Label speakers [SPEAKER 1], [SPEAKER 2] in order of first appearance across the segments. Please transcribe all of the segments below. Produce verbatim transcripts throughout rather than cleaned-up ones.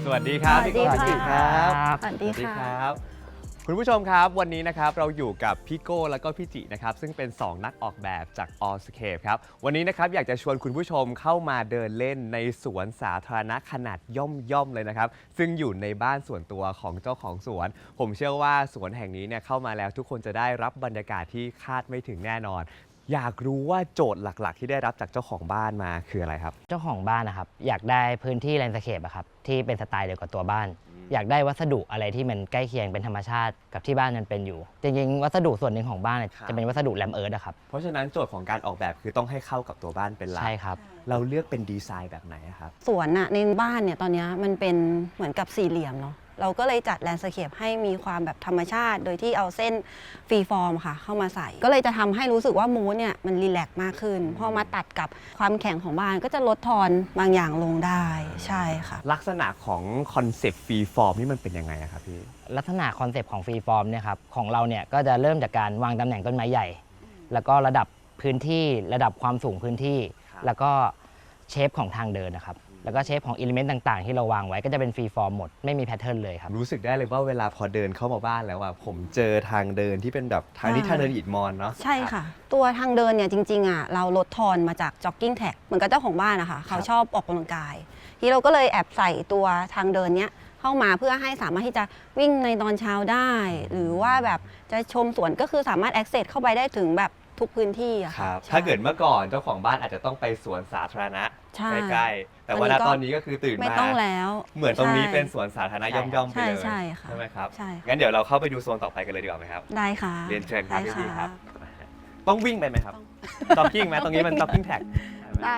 [SPEAKER 1] วัสดีครับ
[SPEAKER 2] สวัสดีค่ะ
[SPEAKER 1] สวัสดีครับ
[SPEAKER 2] สวัสดีค่ะ
[SPEAKER 1] คุณผู้ชมครับวันนี้นะครับเราอยู่กับพี่โก้แล้วก็พี่จินะครับซึ่งเป็นสองนักออกแบบจาก Allscape ครับวันนี้นะครับอยากจะชวนคุณผู้ชมเข้ามาเดินเล่นในสวนสาธารณะขนาดย่อมๆเลยนะครับซึ่งอยู่ในบ้านส่วนตัวของเจ้าของสวนผมเชื่อว่าสวนแห่งนี้เนี่ยเข้ามาแล้วทุกคนจะได้รับบรรยากาศที่คาดไม่ถึงแน่นอนอยากรู้ว่าโจทย์หลักๆที่ได้รับจากเจ้าของบ้านมาคืออะไรครับ
[SPEAKER 3] เจ้าของบ้านนะครับอยากได้พื้นที่แลนด์สเคปอะครับที่เป็นสไตล์เดียวกับตัวบ้าน อยากได้วัสดุอะไรที่มันใกล้เคียงเป็นธรรมชาติกับที่บ้านมันเป็นอยู่จริงๆวัสดุส่วนหนึ่งของบ้านจะเป็นวัสดุแลมเอิร์ธอะครับ
[SPEAKER 1] เพราะฉะนั้นโจทย์ของการออกแบบคือต้องให้เข้ากับตัวบ้านเป็นหลัก
[SPEAKER 3] ใช่ครับ
[SPEAKER 1] เราเลือกเป็นดีไซน์แบบไหนครับ
[SPEAKER 2] สวนอะในบ้านเนี่ยตอนนี้มันเป็นเหมือนกับสี่เหลี่ยมเนาะเราก็เลยจัดแลนด์สเคปให้มีความแบบธรรมชาติ โดยที่เอาเส้นฟรีฟอร์มค่ะเข้ามาใส่ก็เลยจะทำให้รู้สึกว่ามูดเนี่ยมันรีแลกซ์มากขึ้นพอมาตัดกับความแข็งของบ้านก็จะลดทอนบางอย่างลงได้ใช่ค่ะ
[SPEAKER 1] ลักษณะของคอนเซปต์ฟรีฟอร์มนี่มันเป็นยังไงครับพี่
[SPEAKER 3] ลักษณะคอนเซปต์ของฟรีฟอร์มเนี่ยครับของเราเนี่ยก็จะเริ่มจากการวางตำแหน่งต้นไม้ใหญ่แล้วก็ระดับพื้นที่ระดับความสูงพื้นที่แล้วก็เชฟของทางเดินนะครับแล้วก็เชฟของอิเลเมนต์ต่างๆที่เราวางไว้ก็จะเป็นฟรีฟอร์มหมดไม่มีแพทเทิร์นเลยครับ
[SPEAKER 1] รู้สึกได้เลยว่าเวลาพอเดินเข้ามาบ้านแล้วอ่ะผมเจอทางเดินที่เป็นแบบทางนี้ทางเดินอิฐมอนเนาะ
[SPEAKER 2] ใช่ค่ะตัวทางเดินเนี่ยจริงๆอ่ะเราลดทอนมาจากจ็อกกิ้งแท็กเหมือนกับเจ้าของบ้านนะคะเขาชอบออกกำลังกายที่เราก็เลยแอบใส่ตัวทางเดินเนี้ยเข้ามาเพื่อให้สามารถที่จะวิ่งในตอนเช้าได้ หรือว่าแบบจะชมสวนก็คือสามารถ access เข้าไปได้ถึงแบบทุกพื้นที่อะค่ะ
[SPEAKER 1] ถ้าเกิดเมื่อก่อนเจ้าของบ้านอาจจะต้องไปสวนสาธารณะใกล้ๆแต่ว่าตอนนี้ก็คือตื่นมา
[SPEAKER 2] ไม่ต้องแล้ว
[SPEAKER 1] เหมือนตรงนี้เป็นสวนสาธารณะย่อมๆไปเลย
[SPEAKER 2] ใช่ค่ะ
[SPEAKER 1] ใช่ไหมครับ
[SPEAKER 2] ใช่
[SPEAKER 1] งั้นเดี๋ยวเราเข้าไปดูโซนต่อไปกันเลยดีกว่าไหมครับ
[SPEAKER 2] ได้ค่ะ
[SPEAKER 1] เรียนเชิญครับพี่ครับต้องวิ่งไปไหมครับจ็อกกิ้งไหมตรงนี้มันจ็อกกิ้งแท็ก
[SPEAKER 2] ได้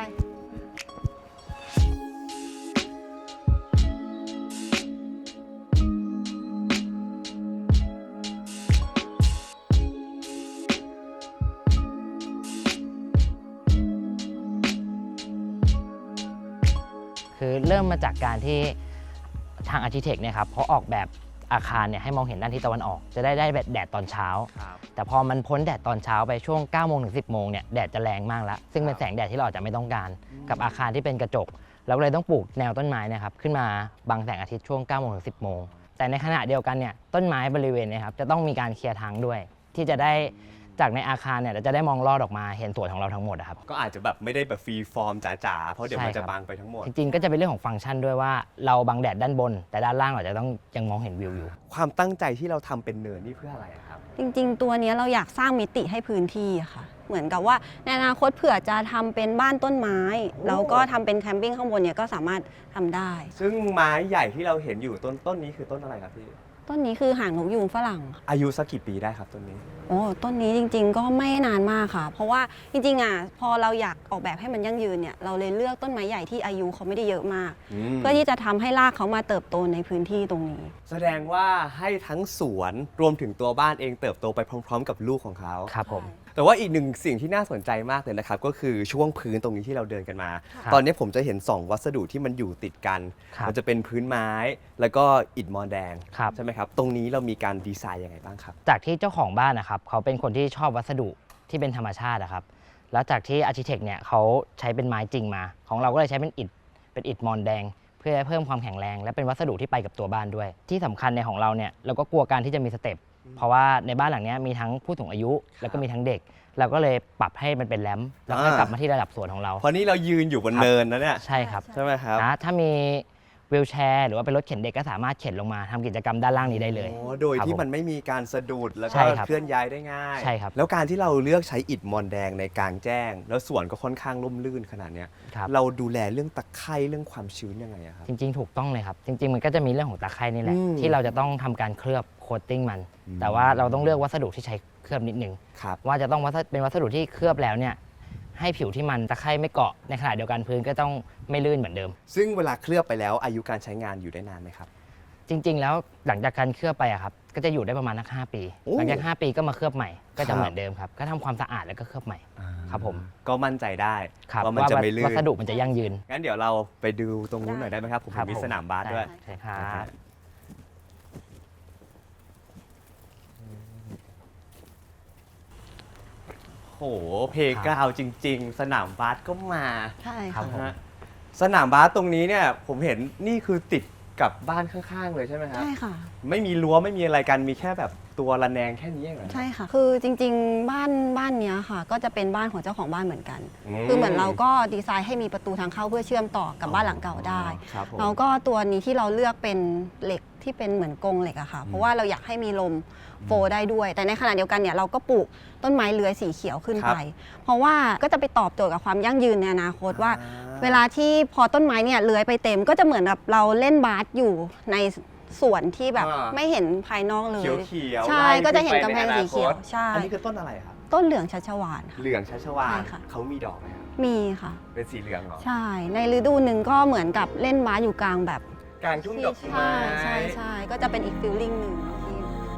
[SPEAKER 3] คือเริ่มมาจากการที่ทางอาร์คิเทคเนี่ยครับเขาออกแบบอาคารเนี่ยให้มองเห็นด้านทิศตะวันออกจะได้ได้แดดตอนเช้าแต่พอมันพ้นแดดตอนเช้าไปช่วงเก้าโมงถึงสิบโมงเนี่ยแดดจะแรงมากแล้วซึ่งเป็นแสงแดดที่เราอาจจะไม่ต้องการกับอาคารที่เป็นกระจกเราเลยต้องปลูกแนวต้นไม้นะครับขึ้นมาบังแสงอาทิตย์ช่วงเก้าโมงถึงสิบโมงแต่ในขณะเดียวกันเนี่ยต้นไม้บริเวณเนี่ยครับจะต้องมีการเคลียร์ทางด้วยที่จะได้จากในอาคารเนี่ยเราจะได้มองลอดออกมาเห็นสวนของเราทั้งหมดครับ
[SPEAKER 1] ก็อาจจะแบบไม่ได้แบบฟรีฟอร์มจ๋าๆเพราะเดี๋ยวมันจะบังไปทั้งหมด
[SPEAKER 3] จริงๆก็จะเป็นเรื่องของฟังก์ชันด้วยว่าเราบังแดดด้านบนแต่ด้านล่างเราจะต้องยังมองเห็นวิวอยู่
[SPEAKER 1] ความตั้งใจที่เราทำเป็นเนินนี่เพื่ออะไรครับ
[SPEAKER 2] จริงๆตัวนี้เราอยากสร้างมิติให้พื้นที่ค่ะเหมือนกับว่าในอนาคตเผื่อจะทำเป็นบ้านต้นไม้แล้วก็ทำเป็นแคมปิ้งข้างบนเนี่ยก็สามารถทำได้
[SPEAKER 1] ซึ่งไม้ใหญ่ที่เราเห็นอยู่ต้นต้นนี้คือต้นอะไรครับพี่
[SPEAKER 2] ต้นนี้คือหางนกยูงฝรั่ง
[SPEAKER 1] อายุสักกี่ปีได้ครับต้นนี้
[SPEAKER 2] โอ้ต้นนี้จริงๆก็ไม่นานมากค่ะเพราะว่าจริงๆอ่ะพอเราอยากออกแบบให้มันยั่งยืนเนี่ยเราเลยเลือกต้นไม้ใหญ่ที่อายุเขาไม่ได้เยอะมากเพื่อที่จะทำให้รากเขามาเติบโตในพื้นที่ตรงนี้
[SPEAKER 1] แสดงว่าให้ทั้งสวนรวมถึงตัวบ้านเองเติบโตไปพร้อมๆกับลูกของเขา
[SPEAKER 3] ครับผม
[SPEAKER 1] แต่ว่าอีกหนึ่งสิ่งที่น่าสนใจมากเลยนะครับก็คือช่วงพื้นตรงนี้ที่เราเดินกันมาตอนนี้ผมจะเห็นสองวัสดุที่มันอยู่ติดกันมันจะเป็นพื้นไม้แล้วก็อิฐมอนแดงใช่ไหมครับตรงนี้เรามีการดีไซน์ยังไงบ้างครับ
[SPEAKER 3] จากที่เจ้าของบ้านนะครับเขาเป็นคนที่ชอบวัสดุที่เป็นธรรมชาตินะครับแล้วจากที่อาร์คิเทคเนี่ยเขาใช้เป็นไม้จริงมาของเราก็เลยใช้เป็นอิฐเป็นอิฐมอนแดงเพื่อเพิ่มความแข็งแรงและเป็นวัสดุที่ไปกับตัวบ้านด้วยที่สำคัญในของเราเนี่ยเราก็กลัวการที่จะมีสเต็ปเพราะว่าในบ้านหลังนี้มีทั้งผู้สูงอายุแล้วก็มีทั้งเด็กเราก็เลยปรับให้มันเป็นแรมป์แล้วก็กลับมาที่ระดับสวนของเรา
[SPEAKER 1] เพราะนี่เรายืนอยู่บนเนินนะเนี่ย
[SPEAKER 3] ใช่ครับ
[SPEAKER 1] ใช่ไหมครับ
[SPEAKER 3] นะถ้ามีวีลแชร์หรือว่าเป็นรถเข็นเด็กก็สามารถเข็นลงมาทำกิจกรรมด้านล่างนี้ได้เลย
[SPEAKER 1] โดยที่มันไม่มีการสะดุดแล้วก็เคลื่อนย้ายได้ง่าย
[SPEAKER 3] ใช่ครับ
[SPEAKER 1] แล้วการที่เราเลือกใช้อิฐมอนแดงในกลางแจ้งแล้วสวนก็ค่อนข้างร่มรื่นขนาดนี้เราดูแลเรื่องตะไคร่เรื่องความชื้นยังไงครับ
[SPEAKER 3] จริงๆถูกต้องเลยครับจริงๆมันก็จะมีเรื่องของตะไคร่นี่แหละที่เราจะต้องทำการเคลือบโคตติ้งมันแต่ว่าเราต้องเลือกวัสดุที่ใช้เคลือบนิดนึงว่าจะต้องเป็นวัสดุที่เคลือบแล้วเนี่ยให้ผิวที่มันตะไคร่ไม่เกาะในขณะเดียวกันพื้นก็ต้องไม่ลื่นเหมือนเดิม
[SPEAKER 1] ซึ่งเวลาเคลือบไปแล้วอายุการใช้งานอยู่ได้นานไหมครับ
[SPEAKER 3] จริงๆแล้วหลังจากการเคลือบไปอะครับก็จะอยู่ได้ประมาณนักห้าปีหลังจากห้าปีก็มาเคลือบใหม่ก็จะเหมือนเดิมครับก็ทำความสะอาดแล้วก็เคลือบใหม่ครับผม
[SPEAKER 1] ก็มั่นใจได้
[SPEAKER 3] ว่ามันจะไม่ลื่นวัสดุมันจะยั่งยืน
[SPEAKER 1] งั้นเดี๋ยวเราไปดูตรงนู้นหน่อยได้ไหมครับผมมีสนามบาสด้วย
[SPEAKER 3] ใช่ครับ
[SPEAKER 1] โอ้โหเพลย์กราวด์จริงๆสนามบาสก็มา
[SPEAKER 2] ใช่
[SPEAKER 1] ครับสนามบาสตรงนี้เนี่ยผมเห็นนี่คือติดกับบ้านข้างๆเลยใช่ไหมครับ
[SPEAKER 2] ใช่ค่ะ
[SPEAKER 1] ไม่มีรั้วไม่มีอะไรกันมีแค่แบบตัวระแนงแค่นี้เองเหรอ
[SPEAKER 2] ใช่ค่ะ คือจริงๆ บ้านบ้านเนี้ยค่ะ ก็จะเป็นบ้านของเจ้าของบ้านเหมือนกัน คือเหมือนเราก็ดีไซน์ให้มีประตูทางเข้าเพื่อเชื่อมต่อกับบ้านหลังเก่าได้
[SPEAKER 1] ครับผม
[SPEAKER 2] แล้วก็ตัวนี้ที่เราเลือกเป็นเหล็กที่เป็นเหมือนกรงเหล็กอะค่ะ เพราะว่าเราอยากให้มีลมโฟได้ด้วย แต่ในขณะเดียวกันเนี่ยเราก็ปลูกต้นไม้เลื้อยสีเขียวขึ้นไป เพราะว่าก็จะไปตอบโจทย์กับความยั่งยืนในอนาคตว่า เวลาที่พอต้นไม้เนี่ยเลื้อยไปเต็มก็จะเหมือนแบบเราเล่นบาสอยู่ในสวนที่แบบ
[SPEAKER 1] อ่า
[SPEAKER 2] ไม่เห็นภายนอกเลย
[SPEAKER 1] เขียวเขียว
[SPEAKER 2] ใช่ก็จะเห็นกำแพงสีเขียวใช่
[SPEAKER 1] อันนี้คือต้นอะไรครับ
[SPEAKER 2] ต้นเหลืองชัชวาลค่ะ
[SPEAKER 1] เหลืองชัชวาล
[SPEAKER 2] ใช่ค่ะ
[SPEAKER 1] เขามีดอกไหมครับ
[SPEAKER 2] มีค่ะ
[SPEAKER 1] เป็นสีเหลืองเหรอ
[SPEAKER 2] ใช่ ในฤดูหนึ่งก็เหมือนกับเล่นบาสอยู่กลางแบบ
[SPEAKER 1] กลางทุ่งดอกไม้
[SPEAKER 2] ใช่ใช่ใช่ก็จะเป็นอีกฟิลลิ่งหนึ่งที่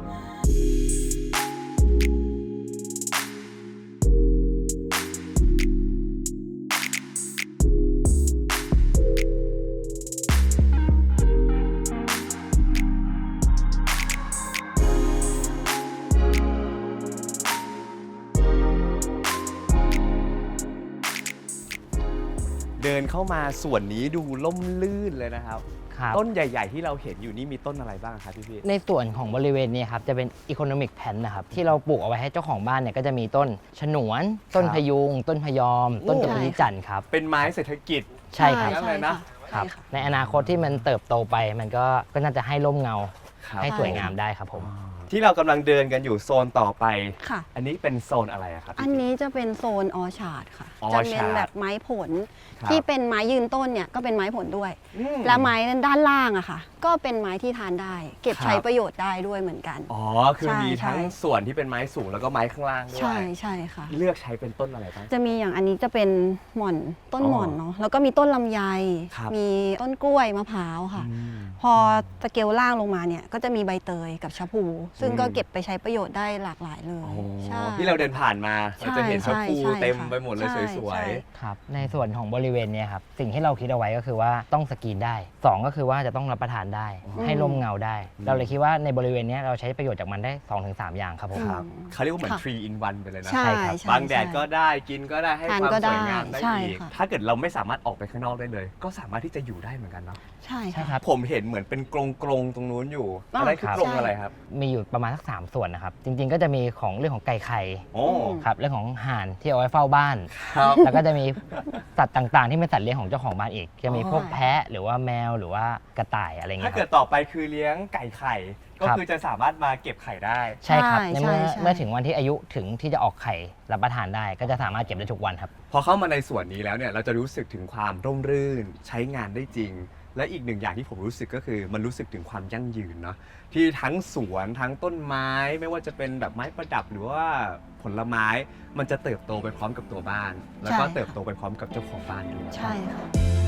[SPEAKER 1] เดินเข้ามาส่วนนี้ดูล่มลื่นเลยนะครับ
[SPEAKER 3] ครับ
[SPEAKER 1] ต้นใหญ่ ๆ ที่เราเห็นอยู่นี่มีต้นอะไรบ้างครับพี่พี่
[SPEAKER 3] ในส่วนของบริเวณนี้ครับจะเป็น Economic Plan นะครับที่เราปลูกเอาไว้ให้เจ้าของบ้านเนี่ยก็จะมีต้นฉนวน ต้นพยุง ต้นพยอม ต้นกระพิจันทร์ครับ
[SPEAKER 1] เป็นไม้เศรษฐกิจ
[SPEAKER 3] ใช่ครับ
[SPEAKER 1] ใช่นะ
[SPEAKER 3] ครับ
[SPEAKER 2] ใช่ค่ะ
[SPEAKER 3] ในอนาคตที่มันเติบโตไปมันก็ก็น่าจะให้ร่มเงา
[SPEAKER 1] ครับ
[SPEAKER 3] ให้สวยงามได้ครับผม
[SPEAKER 1] ที่เรากำลังเดินกันอยู่โซนต่อไป
[SPEAKER 2] ค่ะ
[SPEAKER 1] อันนี้เป็นโซนอะไรอะครับพี่
[SPEAKER 2] อันนี้จะเป็นโซนออชาร์ดค่ะ
[SPEAKER 1] ออ
[SPEAKER 2] จะ
[SPEAKER 1] ชาร์ด
[SPEAKER 2] เป็นแบบไม้ผล
[SPEAKER 1] ครับ
[SPEAKER 2] ที่เป็นไม้ยืนต้นเนี่ยก็เป็นไม้ผลด้วย
[SPEAKER 1] อืม
[SPEAKER 2] และไม้ด้านล่างอะค่ะ ก็เป็นไม้ที่ทานได้ เก็บ
[SPEAKER 1] ครับ
[SPEAKER 2] ใช้ประโยชน์ได้ด้วยเหมือนกัน
[SPEAKER 1] อ๋อ คือ
[SPEAKER 2] ใช่
[SPEAKER 1] มีทั้ง
[SPEAKER 2] ใช่
[SPEAKER 1] ส่วนที่เป็นไม้สูงแล้วก็ไม้ข้างล่างด้ว
[SPEAKER 2] ใช่
[SPEAKER 1] ย
[SPEAKER 2] ใช่ค่ะ
[SPEAKER 1] เลือกใช้เป็นต้นอะไรบ้าง
[SPEAKER 2] จะมีอย่างอันนี้จะเป็นหม่อนต้น
[SPEAKER 1] อ๋อ
[SPEAKER 2] หม่อนเนาะแล้วก็มีต้นลำไย
[SPEAKER 1] ครับ
[SPEAKER 2] มีต้นกล้วยมะพร้าวค่ะ
[SPEAKER 1] อืม
[SPEAKER 2] พอสเกลล่างลงมาเนี่ยก็จะมีใบเตยกับชะพู ซึ่งก็
[SPEAKER 1] อืม
[SPEAKER 2] เก็บไปใช้ประโยชน์ได้หลากหลายเลย
[SPEAKER 1] โอ้
[SPEAKER 2] ใช่
[SPEAKER 1] ที่เราเดินผ่านมา
[SPEAKER 2] ใช่
[SPEAKER 1] เราจะเห็นชะพู
[SPEAKER 2] ใช่
[SPEAKER 1] เต็ม
[SPEAKER 2] ค่ะ
[SPEAKER 1] ไปหมดเลย
[SPEAKER 2] ใช่
[SPEAKER 1] สวย
[SPEAKER 2] ใช่
[SPEAKER 3] ครับในส่วนของบริเวณเนี้ครับสิ่งที่เราคิดเอาไว้ก็คือว่าต้องสกรีนได้สองก็คือว่าจะต้องรับประทานได้ ให้ร่มเงาได้ เราเลยคิดว่าในบริเวณเนี้ยเราใช้ประโยชน์จากมันได้ สองถึงสาม อย่างครับผม
[SPEAKER 1] ๆครับ เขาเรียกว่าเหมือน
[SPEAKER 2] ค่ะ
[SPEAKER 1] three in one ไปเลยนะ
[SPEAKER 2] ใช่
[SPEAKER 3] ใช่ครับ
[SPEAKER 2] ใช่
[SPEAKER 1] บางแดด
[SPEAKER 2] ใช่
[SPEAKER 1] ก็ได้กินก็ได้ให้
[SPEAKER 2] ทาน
[SPEAKER 1] ความ
[SPEAKER 2] ก็
[SPEAKER 1] สวยงาม
[SPEAKER 2] ได้
[SPEAKER 1] ได้
[SPEAKER 2] ใช่
[SPEAKER 1] อีก
[SPEAKER 2] ค่ะ
[SPEAKER 1] ถ้าเกิดเราไม่สามารถออกไปข้างนอกได้เลย ก็สามารถที่จะอยู่ได้เหมือนกันเนาะ
[SPEAKER 2] ใช่
[SPEAKER 3] ใช่
[SPEAKER 2] ค่ะ
[SPEAKER 3] ครับ
[SPEAKER 1] ผมเห็นเหมือนเป็นกรงกรงๆตรงนู้นอยู่
[SPEAKER 2] อ๋อ
[SPEAKER 1] อะไรคือ
[SPEAKER 3] ครับ
[SPEAKER 1] กรงอะไรครับ
[SPEAKER 3] มีอยู่ประมาณสักสามส่วนนะครับ จริงๆก็จะมีของเรื่องของไก่ไข่
[SPEAKER 1] โอ้
[SPEAKER 3] ครับเรื่องของห่านที่เอาไว้เฝ้าบ้าน
[SPEAKER 1] ครับ
[SPEAKER 3] แล้วก็จะมีสัตว์ต่างๆ ที่เป็นสัตว์เลี้ยงของเจ้าของบ้านอีก จะมี
[SPEAKER 1] อ๋อ
[SPEAKER 3] พวกแพะหรือว่าแมวหรือว่ากระต่ายอะไรเงี้
[SPEAKER 1] ถ้าย
[SPEAKER 3] ค
[SPEAKER 1] เกิ
[SPEAKER 3] รั
[SPEAKER 1] ด
[SPEAKER 3] บ
[SPEAKER 1] ต่อไปคือเลี้ยงไก่ไข่ ก็
[SPEAKER 3] ครับ
[SPEAKER 1] คือจะสามารถมาเก็บไข่ได้
[SPEAKER 3] ใช่ครับ
[SPEAKER 2] ใช่
[SPEAKER 3] ในเมื่อ
[SPEAKER 2] ใช่ใช่
[SPEAKER 3] เมื่อถึงวันที่อายุถึงที่จะออกไข่รับประทานได้ ก็จะสามารถเก็บได้ทุกวันครับ
[SPEAKER 1] พอเข้ามาในส่วนนี้แล้วเนี่ยเราจะรู้สึกถึงความร่มรื่น ใช้งานได้จริง และอีกหนึ่งอย่างที่ผมรู้สึกก็คือมันรู้สึกถึงความยั่งยืนเนาะที่ทั้งสวนทั้งต้นไม้ ไม่ว่าจะเป็นแบบไม้ประดับหรือว่าผลไม้ มันจะเติบโตไปพร้อมกับตัวบ้าน แล้วก็
[SPEAKER 2] ใช่ค่ะ
[SPEAKER 1] เติบโตไปพร้อมกับเจ้าของบ้านด้วย
[SPEAKER 2] ใช่ค่ะ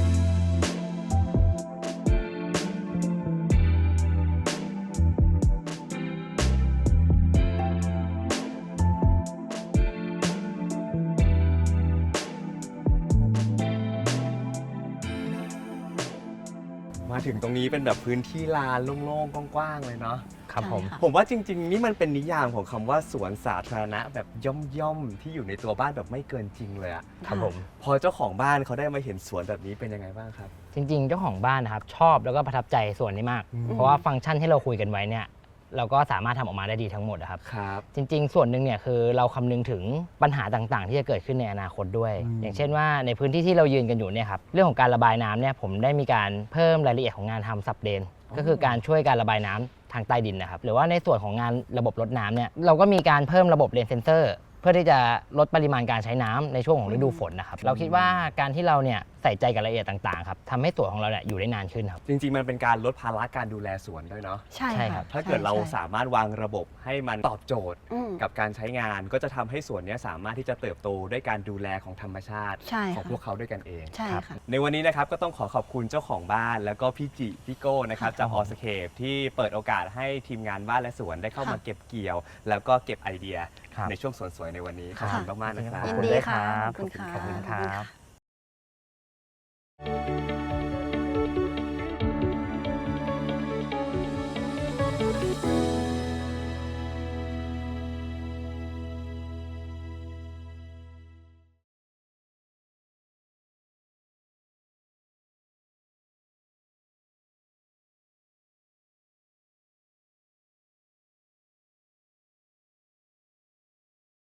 [SPEAKER 1] มาถึงตรงนี้เป็นแบบพื้นที่ลานโล่งๆกว้างๆเลยเนาะ
[SPEAKER 3] ครับผม
[SPEAKER 2] ใช่ค่ะ
[SPEAKER 1] ผมว่าจริงๆ นี่มันเป็นนิยามของคำว่าสวนสาธารณะแบบย่อมๆ ที่อยู่ในตัวบ้านแบบไม่เกินจริงเลยอะ
[SPEAKER 3] ครับผม
[SPEAKER 1] พอเจ้าของบ้านเขาได้มาเห็นสวนแบบนี้เป็นยังไงบ้างครับ
[SPEAKER 3] จริงๆ เจ้าของบ้านนะครับชอบแล้วก็ประทับใจส่วนนี้มาก
[SPEAKER 1] อืม
[SPEAKER 3] เพราะว่าฟังก์ชันที่เราคุยกันไว้เนี่ยเราก็สามารถทำออกมาได้ดีทั้งหมดนะครับ
[SPEAKER 1] ครับ
[SPEAKER 3] จริง ๆ ส่วนหนึ่งเนี่ยคือเราคำนึงถึงปัญหาต่างๆ ที่จะเกิดขึ้นในอนาคตด้วย
[SPEAKER 1] อืม
[SPEAKER 3] อย่างเช่นว่าในพื้นที่ที่เรายืนกันอยู่เนี่ยครับเรื่องของการระบายน้ำเนี่ยผมได้มีการเพิ่มรายละเอียดของงานทำซับเดนก็คือการช่วยการระบายน้ำทางใต้ดินนะครับหรือว่าในส่วนของงานระบบรดน้ำเนี่ยเราก็มีการเพิ่มระบบเรนเซนเซอร์เพื่อที่จะลดปริมาณการใช้น้ำในช่วงของฤดูฝนนะครับเราคิดว่าการที่เราเนี่ยใส่ใจกับรายละเอียดต่างๆครับทำให้สวนของเราเนี่ยอยู่ได้นานขึ้นครับ
[SPEAKER 1] จริงๆ มันเป็นการลดภาระการดูแลสวนด้วยเนาะ
[SPEAKER 2] ใช่
[SPEAKER 3] ใช่ครั
[SPEAKER 2] ค่ะ
[SPEAKER 3] บ
[SPEAKER 1] ถ้าเกิดเรา
[SPEAKER 2] ใช่
[SPEAKER 1] สามารถวางระบบให้มันตอบโจทย์
[SPEAKER 2] อืม
[SPEAKER 1] กับการใช้งาน ก็จะทำให้สวนเนี้ยสามารถที่จะเติบโตด้วยการดูแลของธรรมชาติ
[SPEAKER 2] ใช่
[SPEAKER 1] ของ
[SPEAKER 2] ค่ะ
[SPEAKER 1] พวกเขาด้วยกันเอง
[SPEAKER 2] ใช่
[SPEAKER 3] ครับ
[SPEAKER 2] ค่ะ
[SPEAKER 1] ในวันนี้นะครับก็ต้องขอขอบคุณเจ้าของบ้านแล้วก็พี่จิพี่โก้นะครับจากออสเคปที่เปิดโอกาสให้ทีมงานบ้านและสวนได้เข้ามา
[SPEAKER 2] ค่ะ
[SPEAKER 1] เก็บเกี่ยว แล้วก็เก็บไอเดีย
[SPEAKER 3] ครับ
[SPEAKER 1] ในช่วงสวนสวยในวันนี้ขอบคุณมากๆนะครับ
[SPEAKER 2] ยิน
[SPEAKER 3] ขอบคุณ
[SPEAKER 2] ดี
[SPEAKER 3] ด้วย
[SPEAKER 2] ค่ะ
[SPEAKER 3] ครับ
[SPEAKER 2] ขอบคุณค่ะ
[SPEAKER 3] ขอบคุณครับ